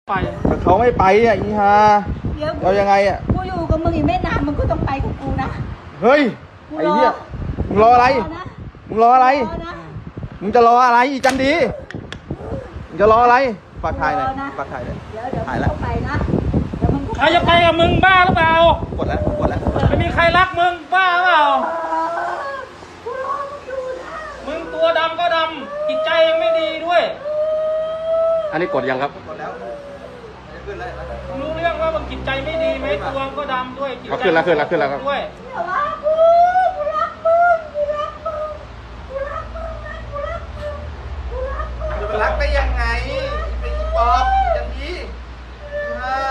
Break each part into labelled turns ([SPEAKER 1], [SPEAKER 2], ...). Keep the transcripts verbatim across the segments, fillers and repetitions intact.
[SPEAKER 1] ไป
[SPEAKER 2] แต่เขาไม่ไปอ่ะอีฮาเรายังไงอ่ะ
[SPEAKER 3] กูอยู่กับมึงอีกไม่นานมึงก็ต้องไปกับกูนะ
[SPEAKER 2] เฮ้ยไอ้เหี้ยมึงรออะไรมึงรออะไรมึงจะรออะไรอีจันดีมึงจะรออะไรฝากถ่ายเลยฝากถ่ายเลย
[SPEAKER 3] เดี๋ยวเดี๋ยวมึงก็ไปนะเดี๋ยวมึง
[SPEAKER 1] ใครจะไปกับมึงบ้าหรือเปล่าก
[SPEAKER 2] ดแล้วกดแล้ว
[SPEAKER 1] ไม่มีใครรักมึงบ้าหรือเปล่ามึงตัวดำก็ดำจิตใจยังไม่ดีด้วย
[SPEAKER 4] อันนี้กดยังครับ
[SPEAKER 2] กดแล้วขึ้นแล้ว
[SPEAKER 1] รู้เรื่องว่ามึงจิตใจไม่ดีไหมตัวก็ดำด้วยจิตใจ
[SPEAKER 4] ขึ้นแล้วขึ้นแล้วขึ้นแล้วครับ
[SPEAKER 1] ด้วย
[SPEAKER 3] แต่ว่ากูกูรักมึงกูรักมึงกูรักมึงนะกูรักมึงกูรักมึง
[SPEAKER 2] จะไปรักได้ยังไงเป็นอีปอบจันดีฮะ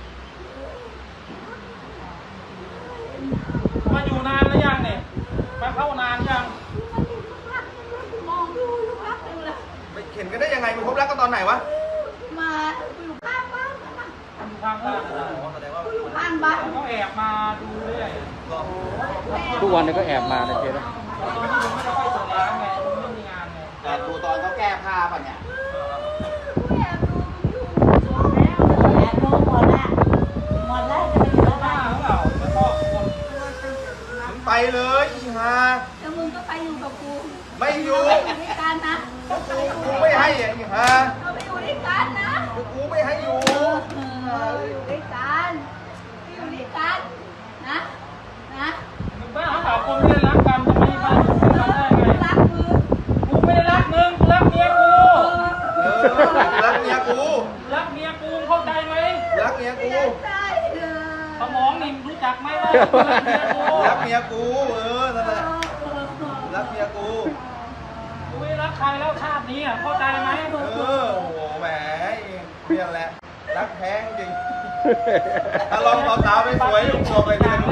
[SPEAKER 1] มาอยู่นานหรือยังเนี่ยมาเข้านานยัง
[SPEAKER 3] มองดูลูกรักเลย
[SPEAKER 2] ไปเข็นกันได้ยังไงมึงพบรักกันตอนไหนวะ
[SPEAKER 3] มาอยู่ข้างบ้านนะ
[SPEAKER 1] อยู่ข้างบ้าน
[SPEAKER 3] อยู่ข้างบ้าน
[SPEAKER 1] เขาแอบมาดูเรื่อย
[SPEAKER 4] ทุกวันนี้ก็แอบมาในเจ๊นะ
[SPEAKER 1] ตอนที่มึงไม่ได้ไปเปิดร้านไงมึงไม่มีงานไง
[SPEAKER 5] แต่ดูตอนเขาแก้ผ้าป่ะเนี่ย
[SPEAKER 3] แอบดูอยู่แล้วแอบดูหมดแล้วหมดแล้วจะไปอยู่บ้าน
[SPEAKER 1] หรือเปล่าไม่ชอบคน
[SPEAKER 2] มึงไปเลยอีฮา
[SPEAKER 3] แล้วมึงก็ไปอยู่กับกู
[SPEAKER 2] ไม่อยู่
[SPEAKER 3] ไปอยู่ด้วยกันนะ
[SPEAKER 2] กูไม่ให้อ่ะอีฮา
[SPEAKER 3] เราไปอยู่ด้วยกันนะ
[SPEAKER 2] กูไม่ให้อยู่
[SPEAKER 3] อยู่ด้วยกันอยู่ด้วยกันนะนะ
[SPEAKER 1] มึงบ้าหรือเปล่าคนไม่ได้รักกันจะไม่มาอยู่ด้วยกันได้ไง
[SPEAKER 3] รักมึง
[SPEAKER 1] กูไม่ได้รักมึงกูรักเมียกู
[SPEAKER 2] เออรักเมียกู
[SPEAKER 1] รักเมียกูเข้าใจไหม
[SPEAKER 2] รักเมียกู
[SPEAKER 1] สมองนี่รู้จักไหมว่ารักเมียกู
[SPEAKER 2] รักเมียกูเออนั่นแหละรักเมียกู
[SPEAKER 1] กูไม่รักใครแล้วชาตินี้อ่ะเข้าใจไหม
[SPEAKER 2] เออโอ้โหแหมเมียแหละรักแท้งจริงถ้าลองสาวๆไม่สวยลุงบอกเลยเนี่ย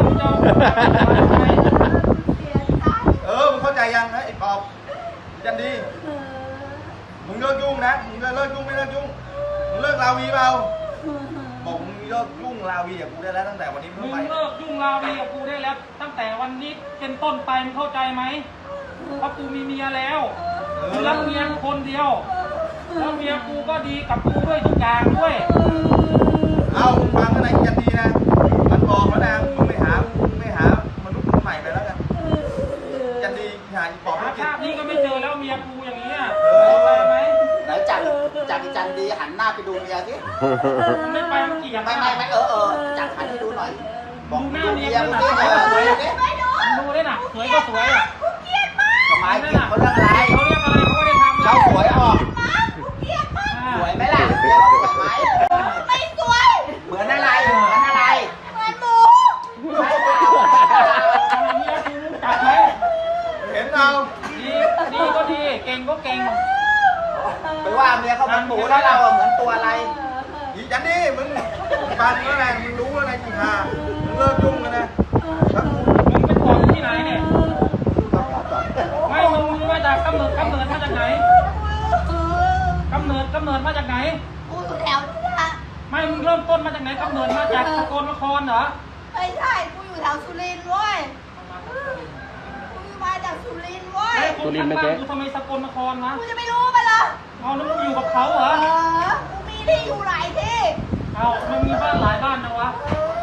[SPEAKER 2] เออมึงเข้าใจยังนะไอ้ปอบจันดีมึงเลิกยุ่งนะมึงเลิกยุ่งไม่เลิกยุ่งมึงเลิกลาวีเปล่าบอกมึงเลิกยุ่งลาวีกับกูได้แล้วตั้งแต่วันนี้
[SPEAKER 1] มึ
[SPEAKER 2] มึ
[SPEAKER 1] ง
[SPEAKER 2] งไป
[SPEAKER 1] เลิกยุ่งลาวีกับกูได้แล้วตั้งแต่วันนี้เป็นต้นไปมึงเข้าใจไหมเพราะกูมีเมียแล้วกูรักเมียคนเดียวแล้วเมียกูก็ดีกับกูด้วยทุกอย่างด้วย
[SPEAKER 2] เอาฟังกันไหนจันดีนะมันบอกแล้วนะมึงไม่หามึงไม่หามนุษย์คนใหม่ไปแล้วกันจันดีหาอีปอบไม่กิน
[SPEAKER 1] ชาตินี้ก็ไม่เจอแล้วเมียกูอย่างนี้
[SPEAKER 2] เข้าใจ
[SPEAKER 1] ไหม
[SPEAKER 5] ไหนจัดจัดจันดีหันหน้าไปดูเมียสิ
[SPEAKER 1] ไม่ไปมันเกลียด
[SPEAKER 5] ไม่ไม่ไม่เออเออจัดหันให้ดูหน่อยบอก
[SPEAKER 1] ดูหน้า
[SPEAKER 5] ดู
[SPEAKER 1] เมี
[SPEAKER 5] เมี
[SPEAKER 1] ย
[SPEAKER 5] ย
[SPEAKER 1] กู
[SPEAKER 5] มึ
[SPEAKER 1] ห
[SPEAKER 5] ง
[SPEAKER 1] น่อย
[SPEAKER 5] สิเออดูดิ
[SPEAKER 1] ดูได้หนักสวยก็สวยอ่ะ
[SPEAKER 5] ทำไมเกลียดเขาเรื่องอะไร
[SPEAKER 1] เขาเรียกอะไรเขาไม่ได้ทำ
[SPEAKER 5] เขาสวยออกสวยไหมล่ะเมียเขาสวยไหม
[SPEAKER 3] ไม่สวย
[SPEAKER 5] เหมือนอะไรเหมือนอะไร
[SPEAKER 3] เหมือนหมู
[SPEAKER 5] ใช่เปล่า
[SPEAKER 1] เมียกูรู้จักไหม
[SPEAKER 2] เห็นเอา
[SPEAKER 1] ดีดีก็ดีเก่งก็เก่ง
[SPEAKER 5] ไปว่าเมียเขาเหมือนหมูแล้วเราเหมือนตัวอะไร
[SPEAKER 2] อีจันดีมึงปานแล้วนะมึงรู้แล้วนะจีฮามึงเลิกยุ่งแล้วนะ
[SPEAKER 1] มึงเป็นคนที่ไหนเนี่ยไม่มึงมึงมาจากกำเนิดกำเนิดมาจากไหนกำเนิดกำเนิดมาจากไหน
[SPEAKER 3] กูอยู่แถวนี้นะ
[SPEAKER 1] ไม่มึงเริ่มต้นมาจากไหนกำเนิดมาจากสกลนครเหรอ
[SPEAKER 3] ไม่ใช่กูอยู่แถวสุรินทร์เว้ยกูมาจากสุรินทร์เว้ย
[SPEAKER 1] สุรินทร์ไม่ใช่กูทำไมสกลนครนะ
[SPEAKER 3] กูจะไม่รู้ไปเหรอ
[SPEAKER 1] เอาแล้วมึงอยู่กับเขาเหรอ
[SPEAKER 3] เออกูมีที่อยู่หลายที่
[SPEAKER 1] เอามันมีบ้านหลายบ้านนะวะ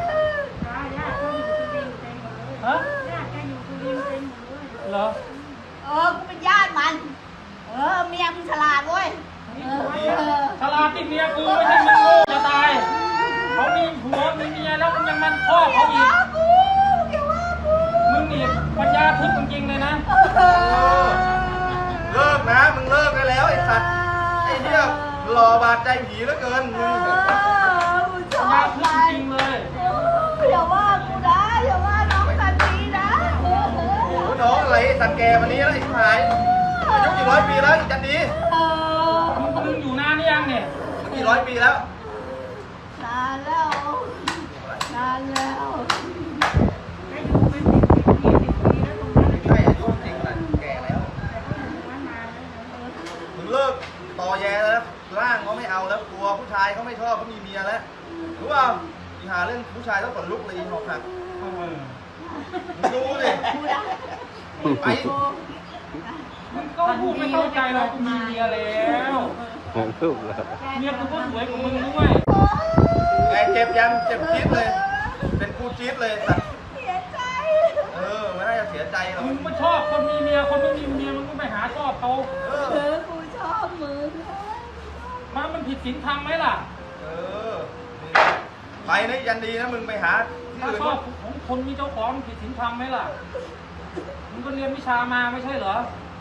[SPEAKER 1] ฮะเหรอ
[SPEAKER 3] เออกูเป็นญาติมัน เออเมียมึงฉลาดเว้ยเออ
[SPEAKER 1] ฉลาดที่เมียกูไม่ใช่มึงโง่จะตายเขามีผัวมีเมียแล้วมึงยังมันพ่อเขาอีก
[SPEAKER 3] กูเกี่ยวว่ากู
[SPEAKER 1] มึงนี่ปัญญาทึบจริงๆเลยนะ
[SPEAKER 3] เออ
[SPEAKER 2] เลิกนะมึงเลิกได้แล้วไอ้สัตว์ไอ้เนี่ยหล่อบาดใจผีเหลือเกินมึง
[SPEAKER 3] เออกูช
[SPEAKER 1] ปัญ
[SPEAKER 3] อ
[SPEAKER 1] ญา
[SPEAKER 3] บ
[SPEAKER 1] ทึบ
[SPEAKER 3] มัน
[SPEAKER 1] จริงๆเลย
[SPEAKER 3] อย่าว่ากูนะอย่าว่าน้องสันนีนะเออเออ
[SPEAKER 2] โอ้น้องอะไรสัตว์แกวันนี้แล้วไอ้หายอายุกี่ร้อยปีแล้วอีจันดี
[SPEAKER 3] เออ
[SPEAKER 1] มึงมึงอยู่นานหรือยังเนี่ย
[SPEAKER 2] กี่ร้อยปีแล้ว
[SPEAKER 3] นานแล้วนานแล้ว
[SPEAKER 2] ใช่อายุจริงนะแก่แล้วมึงเลิกต่อแย่แล้วร่างเขาไม่เอาแล้วกลัวผู้ชายเขาไม่ชอบเขามีเมียแล้วรู้เปล่าอีหาเรื่องผู้ชายต้องขนลุกเลยหอกหักมึงดูดิไป
[SPEAKER 1] มึงก็พูดไม่เข้าใจเรากูมีเมียแล้ว
[SPEAKER 4] รูปแล้ว
[SPEAKER 1] เมียกูก็สวยกว่ามึงด้วย
[SPEAKER 3] โอ้
[SPEAKER 2] จ็บยังเจ็บจี๊ดเลย เป็นกูจี๊ดเลยสัตว์
[SPEAKER 3] เสียใจ
[SPEAKER 2] เออไม่น่าจะเสียใจหรอก
[SPEAKER 1] มึงไม่ชอบคนมีเมียคนไม่มีเมียมึงก็ไปหาชอบเขา
[SPEAKER 2] เอ
[SPEAKER 3] เอ
[SPEAKER 2] อ
[SPEAKER 3] อกูชอบมึง
[SPEAKER 1] มันมันผิดศีลธรรมไหมล่ะ
[SPEAKER 2] เออไปนะยันดีนะมึงไปหาที่
[SPEAKER 1] ถ้า
[SPEAKER 2] อื่น
[SPEAKER 1] ชอบของคนมีเจ้าของผิดศีลธรรมไหมล่ะมึงก็เรียนวิชามาไม่ใช่เหรอ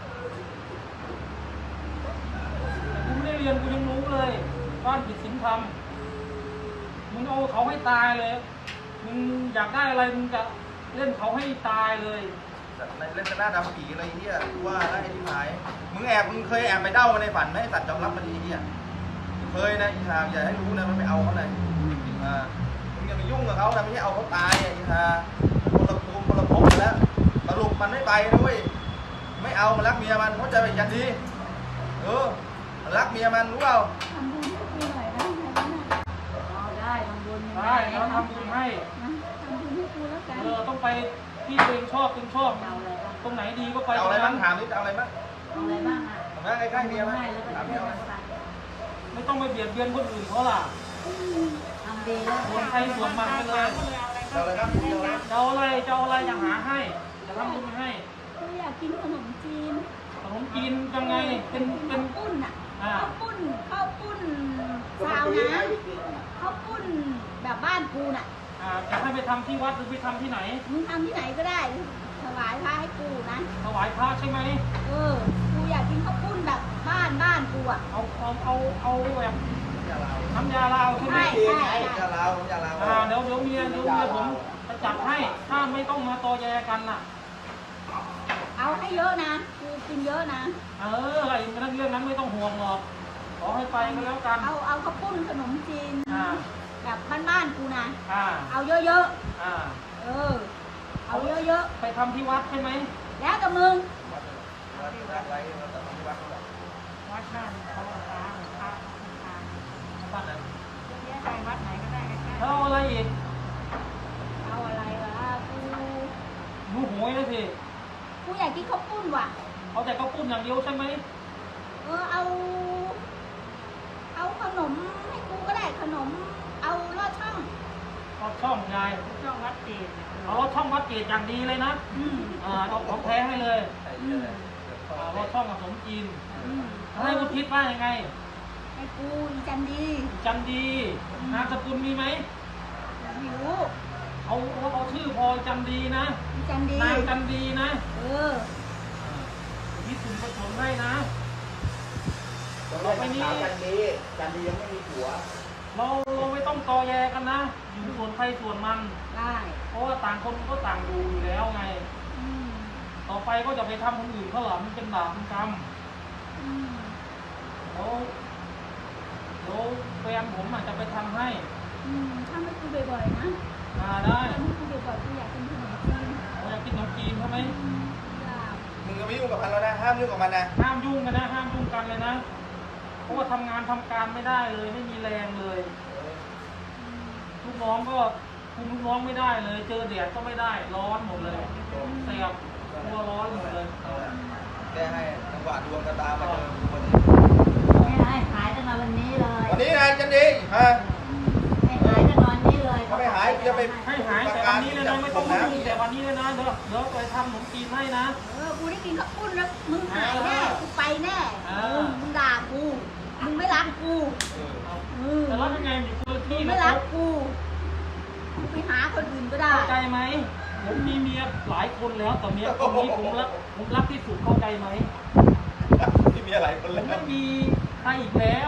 [SPEAKER 1] แต่กูไม่ได้เรียนกูยังรู้เลยว่าผิดศีลธรรมมึงเอาเขาให้ตายเลยมึงอยากได้อะไรมึงจะเล่นเขาให้ตายเลย
[SPEAKER 2] สัตว์ในเล่นหน้าดำผีอะไรเงี้ยกูว่าได้ที่หายมึงแอบมึงเคยแอบไปเด้ามาในฝันไหมสัตว์ยอมรับมาดีเงี้ยเคยนะอีทาอย่าให้รู้นะมันไปเอาเขาเลยอ่ามึงอย่าไปยุ่งกับเขานะไม่ใช่เอาเขาตายอ่ะอีทาคนละภูมิคนละภพกันแล้วสรุปมันไม่ไปนะเว้ยไม่เอามันรักเมียมันเข้าใจไปยันดีเออมันรักเมียมันรู้เปล่า
[SPEAKER 3] ทำบุญให้กูหน่อยนะเอาได้ทำบุญ
[SPEAKER 1] ได้แล้วทำบุญให้
[SPEAKER 3] ทำบุญให้กูแล้วกัน
[SPEAKER 1] เออต้องไปที่ตัวเองชอบตัวเองชอบ
[SPEAKER 3] เอาอะไรบ้าง
[SPEAKER 1] ตรงไหนดีก็ไป
[SPEAKER 2] เอา
[SPEAKER 1] ตร
[SPEAKER 2] อะไร
[SPEAKER 1] ง
[SPEAKER 2] บ้า
[SPEAKER 1] นั้
[SPEAKER 2] ง
[SPEAKER 1] น
[SPEAKER 2] ถามนิดเอาอะไรบ้าง
[SPEAKER 3] เอาอะไรบ้างอ่ะ
[SPEAKER 2] ถามใกล้ๆเมียมั้ย
[SPEAKER 3] ให้แล้วก็
[SPEAKER 2] ถาม
[SPEAKER 3] จะ
[SPEAKER 2] เมีย
[SPEAKER 3] ได้
[SPEAKER 2] มั้ย
[SPEAKER 3] ไป
[SPEAKER 1] ไม่ต้องไปเบียดเบียนคนอื่นเขาล่ะ
[SPEAKER 3] ทำดีแล้ว
[SPEAKER 1] ส่วนใครส่วนมันไปเลย
[SPEAKER 2] เอาอะไรครับเอาอะไร
[SPEAKER 1] จะเอาอะไรจะเอาอะไรอย่าหาให้จะทำบุญให้
[SPEAKER 3] กูอยากกินขนมจีน
[SPEAKER 1] ขนมจีนยังไงเป็นเป็น
[SPEAKER 3] ข้าวปุ้นอ่ะ
[SPEAKER 1] อ่า
[SPEAKER 3] ข้าวปุ้นข้าวปุ้นซาวน้ำข้าวปุ้นแบบบ้านกูน่ะ
[SPEAKER 1] อ่าจะให้ไปทำที่วัดหรือไปทำที่ไหน
[SPEAKER 3] มึงทำที่ไหนก็ได้ถวายพระให้กูนะ
[SPEAKER 1] ถวายพระใช่ไหม
[SPEAKER 3] เออ กูอยากกินข้าวปุ้นแบบบ้านบ้านกูอ่ะ
[SPEAKER 1] เอาเอาเอาเอาแบบ
[SPEAKER 2] อย่าลาว
[SPEAKER 1] น้ำยาลาวใช่ไหม
[SPEAKER 3] ใช่
[SPEAKER 2] อย่าลาวอย่าลาว
[SPEAKER 1] อ่าเดี๋ยวเดี๋ยวเมียเดี๋ยวเมียผมจะจัดให้ถ้าไม่ต้องมาตอแยกันน่ะ
[SPEAKER 3] เอาให้เยอะนะ กูกินเยอะนะ
[SPEAKER 1] เออไอ้เรื่องนั้นไม่ต้องห่วงหรอกขอให้ไปก็แล้วกัน
[SPEAKER 3] เอาเอาข้าวปุ้นขนมจีน
[SPEAKER 1] อ่า
[SPEAKER 3] แบบบ้านๆกูนะ
[SPEAKER 1] อ่า
[SPEAKER 3] เอาเยอะ
[SPEAKER 1] อ่า
[SPEAKER 3] ๆ เออ เอาเยอะ
[SPEAKER 1] ไปทำที่วัดใช่ไหม
[SPEAKER 3] ๆ แล้วแต่มึง
[SPEAKER 2] วัดวัดไว้เราจะทำที่วัดเขาบอก
[SPEAKER 3] วัดบ้านเขาพระพระ
[SPEAKER 1] วัดนั้น
[SPEAKER 3] เยอะไปวัดไหนก็ได้ใกล้
[SPEAKER 1] แล้วเอาอะไรอีก
[SPEAKER 3] ๆเอาอะไรวะกู
[SPEAKER 1] หนูโหยเลยสิ
[SPEAKER 3] กูอยากกินข้าวปุ้นว่ะ
[SPEAKER 1] เอาแต่ข้าวปุ้นอย่างเดียวใช่ไหม
[SPEAKER 3] เออเอา เอาขนมให้กูก็ได้ขนม เอาลอดช่อง
[SPEAKER 1] รถช่องยาย
[SPEAKER 3] ช่องวัดเจด
[SPEAKER 1] เอารถช่องวัดเกตอย่างดีเลยนะ
[SPEAKER 3] อืม
[SPEAKER 1] อ่าเอาของแท้ให้เลย
[SPEAKER 2] ไอ้เหี้ยเลย
[SPEAKER 1] อ่ารถช่องผสมจีน
[SPEAKER 3] อืม
[SPEAKER 1] ให้คุณคิดว่ายังไง
[SPEAKER 3] ให้กูอีจันดี
[SPEAKER 1] จันดีนามสกุลมีไหม
[SPEAKER 3] ไม่รู้
[SPEAKER 1] เอาเอาเอาชื่อพอจันดีนะ
[SPEAKER 3] อีจันดี
[SPEAKER 1] นางจันดีนะ
[SPEAKER 3] เออ
[SPEAKER 1] ที่คุณผสมให้นะ
[SPEAKER 5] ต่อไปนี้จันดีจันดียังไม่มีผัว
[SPEAKER 1] เราเราไม่ต้องตอแยกันนะ อยู่ส่วนใครส่วนมัน
[SPEAKER 3] ได้
[SPEAKER 1] เพราะว่าต่างคนก็ต่างดูอยู่แล้วไง
[SPEAKER 3] อืม
[SPEAKER 1] ต่อไปก็จะไปทำคนอื่นเขาเหรอมันเป็นบาปเป็นกรรม
[SPEAKER 3] อืม
[SPEAKER 1] แล้วเดี๋ยวแฟนผมอาจจะไปทำให้
[SPEAKER 3] อืมทำให้กูบ่อยๆนะ
[SPEAKER 1] มาได้
[SPEAKER 3] ทำให้กูบ่อยๆกูอยากกินขนมจีน
[SPEAKER 1] เราอยากกินขนมจีนใช่ไหม
[SPEAKER 3] อืมอยาก
[SPEAKER 2] มึงก็ไม่ยุ่งกับมันแล้วนะ ห้ามยุ่งกับมันนะ
[SPEAKER 1] ห้ามยุ่งกันนะ ห้ามยุ่งกันเลยนะ เพราะว่าทำงานทำการไม่ได้เลย ไม่มีแรงเลย
[SPEAKER 3] อืม
[SPEAKER 1] ลูกน้องก็คุมลูกน้องไม่ได้เลย เจอแดดก็ไม่ได้ ร้อนหมดเลยเสียบตัวร้อนหมดเลย
[SPEAKER 2] แก้ให้จังหวะดวงกระตามาเจอกูวันนี้
[SPEAKER 3] ไม่ให้หายตั้งแต่วันนี้เลย
[SPEAKER 2] วันนี้นะจันดีฮะ
[SPEAKER 3] ให้หายตั้งแต่วันนี้เลย
[SPEAKER 2] ถ้าไม่หายจะไป
[SPEAKER 1] ให้หายแต่วันนี้เลยนะ ไม่ต้องยุ่งแต่วันนี้เลยนะ เดี๋ยวเดี๋ยวไปทำขนมจีนให้นะ
[SPEAKER 3] เออกูได้กินข้าวปุ้นแล้วมึงหายแน่กูไปแน่
[SPEAKER 1] อ่า
[SPEAKER 3] มึงมึงด่ากูมึงไม่รักกู
[SPEAKER 2] เออ
[SPEAKER 3] เออ
[SPEAKER 1] แต่แล้วยังไงอยู่คนละ
[SPEAKER 3] มึ
[SPEAKER 1] ที่
[SPEAKER 3] ง
[SPEAKER 1] นะ
[SPEAKER 3] ไม่
[SPEAKER 1] ค
[SPEAKER 3] รั
[SPEAKER 1] รับ
[SPEAKER 3] กกูกูไปหาคนอื่นก็ได้
[SPEAKER 1] เข้าใจไหมผมมีเมียหลายคนแล้วแต่เมียคนนี้ผมรักผมรักที่สุดเข้าใจไหม
[SPEAKER 2] ที่มีอะไรคน
[SPEAKER 1] ผ
[SPEAKER 2] แล้
[SPEAKER 1] ม
[SPEAKER 2] ว
[SPEAKER 1] ไม่มีใครอีกแล้ว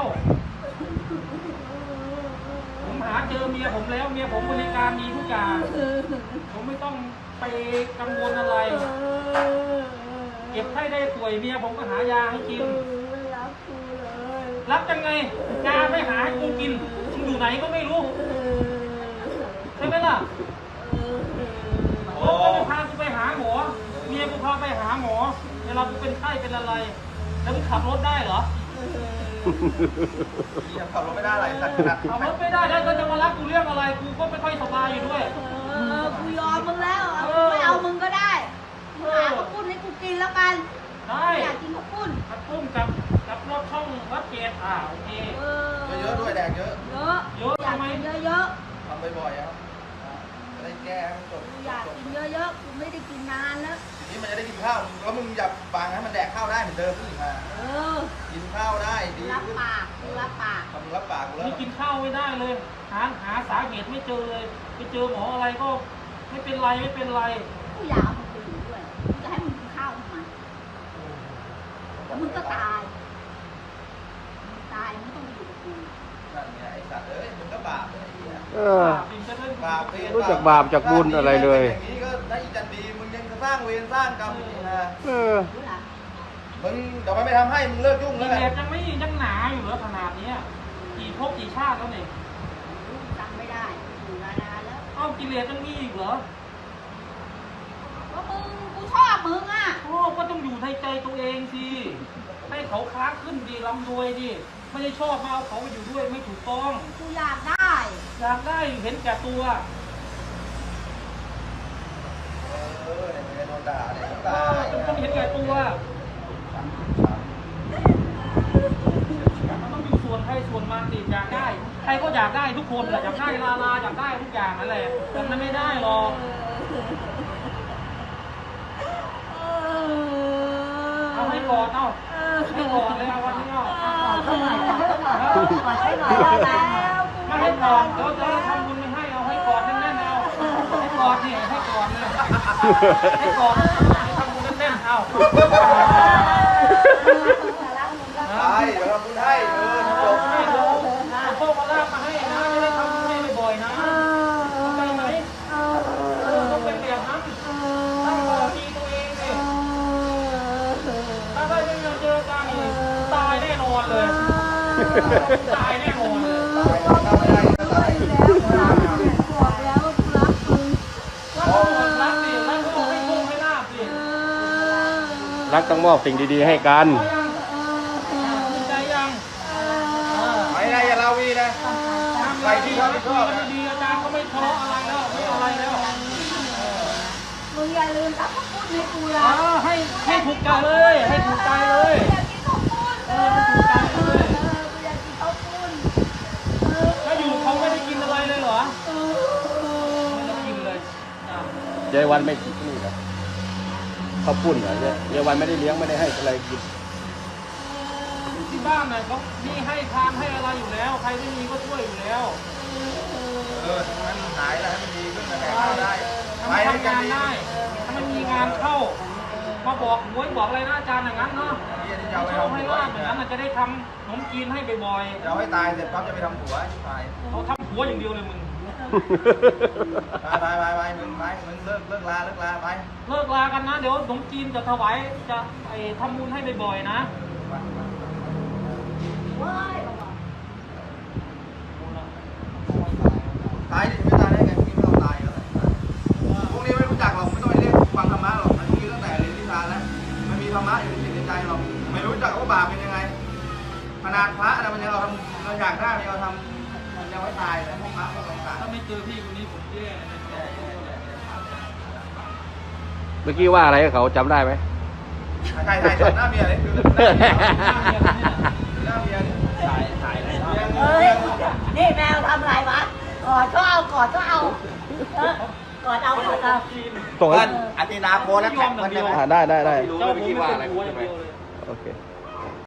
[SPEAKER 1] ผมหาเจอเมียผมแล้วเมียผมบริการดีทุกอย่างผมไม่ต้องไปกังวลอะไร เก็บไข้ได้ป่วยเมียผมก็หายาให้กิน
[SPEAKER 3] ไม่รักกูเลย
[SPEAKER 1] รับยังไงยาไม่หาให้กูกินมึงอยู่ไหนก็ไม่รู้ใช่ไหมล่ะรถก็ไม่พากูไปหาหมอเมียกูพาไปหาหมอเวลากูเป็นไข้เป็นอะไร แล้วมึงขับรถได้เหรอ
[SPEAKER 2] ยังขับรถไม่ได้อะไรสัตว์ขนาด
[SPEAKER 1] ขับรถไม่ได้แล้วก็จะมารักกูเรื่องอะไรกูก็ไม่ค่อยสบายอยู่ด้วย
[SPEAKER 3] เออกูยอมมึงแล้วเอากูไม่เอามึงก็ได้มึงหาข้าวปุ้นให้กูกินแล้วกัน
[SPEAKER 1] ได้
[SPEAKER 3] อยากกินข้าวปุ้น
[SPEAKER 1] ขับปุ้มกับกับรถช่องวัดเกตอ่าโอเค
[SPEAKER 3] เออ
[SPEAKER 2] เยอะๆด้วยแดกเยอะ
[SPEAKER 3] เยอะ
[SPEAKER 1] เยอะ
[SPEAKER 3] อยาก
[SPEAKER 1] ทำไม
[SPEAKER 3] กินเยอะ
[SPEAKER 2] เอบ่อยๆครับจะได้แก้ให้มันจบ
[SPEAKER 3] กูอยากกินเยอะๆกูไม่ได้กินนานแล้ว
[SPEAKER 2] ทีนี้มันจะได้กินข้าวแล้วมึงอย่าบังให้มันแดกข้าวได้เหมือนเดิมขึ้นมา
[SPEAKER 3] เออ
[SPEAKER 2] กินข้าวได้ดี
[SPEAKER 3] รับ
[SPEAKER 2] ขึ้น
[SPEAKER 3] ปากกูรับปาก
[SPEAKER 2] ทำรับปากกูแล้ว
[SPEAKER 1] นี่กินข้าวไม่ได้เลย หาหาสาเหตุไม่เจอเลยไปเจอหมออะไรก็ไม่เป็นไรไม่เป็นไร
[SPEAKER 3] กูอยากเอามึงไปอยู่ด้วยกูจะให้มึงกินข้าวทำไมแล้วมึงก็ตายมึงตายมึงต้องอยู่กับกู
[SPEAKER 2] นั่นไงไอ้สัตว์เอ้ยมึงก็บาปเลยไอ้เหี้ย
[SPEAKER 4] เออ
[SPEAKER 1] บินจะเล่น
[SPEAKER 2] บาปเวร
[SPEAKER 4] รู้จักบาปจากบุญอะไรเลย
[SPEAKER 2] อย่างนี้ก็ได้อีจันดีมึงยังสร้างเวรสร้างกรรมอีกนะ
[SPEAKER 4] เออ
[SPEAKER 3] รู้ล่ะ
[SPEAKER 2] มึงเดี๋ยวมันไม่ทำให้มึงเลิกยุ่ง
[SPEAKER 1] กิ
[SPEAKER 2] แล้ว
[SPEAKER 1] เล
[SPEAKER 2] กัน
[SPEAKER 1] สยังไม่ยังหนาอยู่เหรอขนาดเนี้ยกี่ภพกี่ชาติแล้วเนี่ย
[SPEAKER 3] รู้จำไม่ได้อยู่นานๆแล้ว
[SPEAKER 1] เอ้ากิเลสยังมีอีกเหรอ
[SPEAKER 3] ว่ามึงกูชอบมึงอ่ะ
[SPEAKER 1] โอ้ก็ต้องอยู่ในใจตัวเองสิให้เขาค้าขึ้นดีร่ำรวยดิไม่ได้ชอบมาเอาเขาไปอยู่ด้วยไม่ถูกต้อง
[SPEAKER 3] กูอยากได้
[SPEAKER 1] อยากได้เห็นแก่ตัว
[SPEAKER 2] เออเนี่ยมึงจะโดนด่าเนี่ย
[SPEAKER 1] เอ
[SPEAKER 2] ด่า
[SPEAKER 1] อเป็นคนเห็นแก่ตัวมันต้องอยู่ส่วนใครส่วนมันดิอยากได้ ใครก็อยากได้ทุกคนแหละอยากได้ลาลาอยากได้ทุกอย่างนั่นแหละแต่มันไม่ได้หรอก เอาให้กอดเอาให้กอดเลยเอาวันนี้เอา
[SPEAKER 3] เท่าไหร่กอดให้หน่อยได้แล้ว
[SPEAKER 1] ไม่ให้กอดเดี๋ยวจะทำบุญไม่ให้เอาให้กอดแน่นๆเอาให้กอดนี่ให้กอดเลยให้กอดทำบุญแน่นๆเอา
[SPEAKER 2] ใช่เดี๋ยวเราพูดให้เออจบ
[SPEAKER 1] ให้ดูเอาโชคมาลาภมาให้นะไม่ได้ทำบุญให้บ่อยๆนะเข้าใจไหมเออต้องเป็นแบบนั้นตั้งต่อทีตัวเองสิถ้าได้ไม่มาเจอกันนี่ตายแน่นอนเลยตายแน่นอนเลย
[SPEAKER 3] บอกแล้วกูรักมึง
[SPEAKER 1] รักสิรักก็ให้โชคให้ลาภสิ
[SPEAKER 4] รักต้องมอบสิ่งดีๆให้กัน
[SPEAKER 1] ภูมิใจยัง
[SPEAKER 2] ไม่ได้อย่าลาวีนะ
[SPEAKER 1] ใครที่เขาไม่ชอบดีอาจารย์ก็ไม่ทะเลาะอะไรแล้วไม่อะไรแล้ว
[SPEAKER 3] มึงอย่าลืมตักข้าวปุ้นให้กู
[SPEAKER 1] เอ
[SPEAKER 3] นะ
[SPEAKER 1] อให้ให้ถูกใจเลย ให้ถูกใจเลย
[SPEAKER 3] อยากกินข้าวปุ้นเออกูอยากกินข้าวปุ้น
[SPEAKER 1] ถ้าอยู่เขาไม่ได้กินอะไรเลยเหรอไม่ได้กินเลยอ่ะ
[SPEAKER 4] เจวันไม่นี่เหรอข้าวปุ้นเหรอเจ๊เจวันไม่ได้เลี้ยงไม่ได้ให้อะไรกิน
[SPEAKER 1] ที่บ้านน่ะเขามีให้ทานให้อะไรอยู่แล้ว ใครไม่มีก็ช่วยอยู่แล้ว
[SPEAKER 2] เออให้มันหายแล้วให้มันดีขึ้นนะแดกข้าวได้
[SPEAKER 1] ทำทำงานได้ถ้ามันมีงานเข้า มาบอกหวยบอกอะไรนะอาจารย์อย่างนั้นเนาะ
[SPEAKER 2] เฮียที่จะเอาไป
[SPEAKER 1] เช่า
[SPEAKER 2] ทำ
[SPEAKER 1] ให้
[SPEAKER 2] หัว
[SPEAKER 1] ลาบอย่างนั้นน่ะจะได้ทำขนมจีนให้บ่อย
[SPEAKER 2] จะเอาให้ตายเสร็จปั๊บจะไปทำหัวไป
[SPEAKER 1] ๆเขาทำหัวอย่างเดียวเลยมึง
[SPEAKER 2] ไปไปไปมึงไปมึงเลิกเลิกลาเลิกลาไป
[SPEAKER 1] เลิกลากันนะ เดี๋ยวขนมจีนจะถวายจะไอ้ทำบุญให้บ่อยๆนะ
[SPEAKER 3] ว้าย
[SPEAKER 2] ตายดิไม่ตายได้ไงพวกนี้ไม่ต้องตายแล้วพวกนี้ไม่รู้จักหรอกไม่ต้องไปเรียกฟังธรรมะหรอกมันมีตั้งแต่เรียนวิชาแล้วมันมีธรรมะอยู่ในจิตในใจหรอกไม่รู้จักว่าบาปเป็นยังไงขนาดพระนะมันยังเราทำเราอยากได้มันยังเราทำมันยังไม่ตายแต่พวกพระพวกต่าง
[SPEAKER 1] ถ้าไม่เจอพี่คนนี้ผมแย่เลย
[SPEAKER 4] เมื่อกี้ว่าอะไรกับเขาจำได้ไหม
[SPEAKER 2] ๆใช่ใช่ใช่หน้าเมียเลยคือหน้าเมียเนี่ยถ่ายถ่ายเลย
[SPEAKER 3] เฮ้ยนี่แมวทำอะไรวะกอดก็เอากอดก็เอาเออกอดเอากอดเอา
[SPEAKER 4] ส่งให้
[SPEAKER 2] อันตินาโพแล้วแท็กมันได้ไหม
[SPEAKER 4] อ่าได้ได้ได้
[SPEAKER 1] เจ้าผมเป็นหัวอย่างเดียวเลย
[SPEAKER 4] โอเค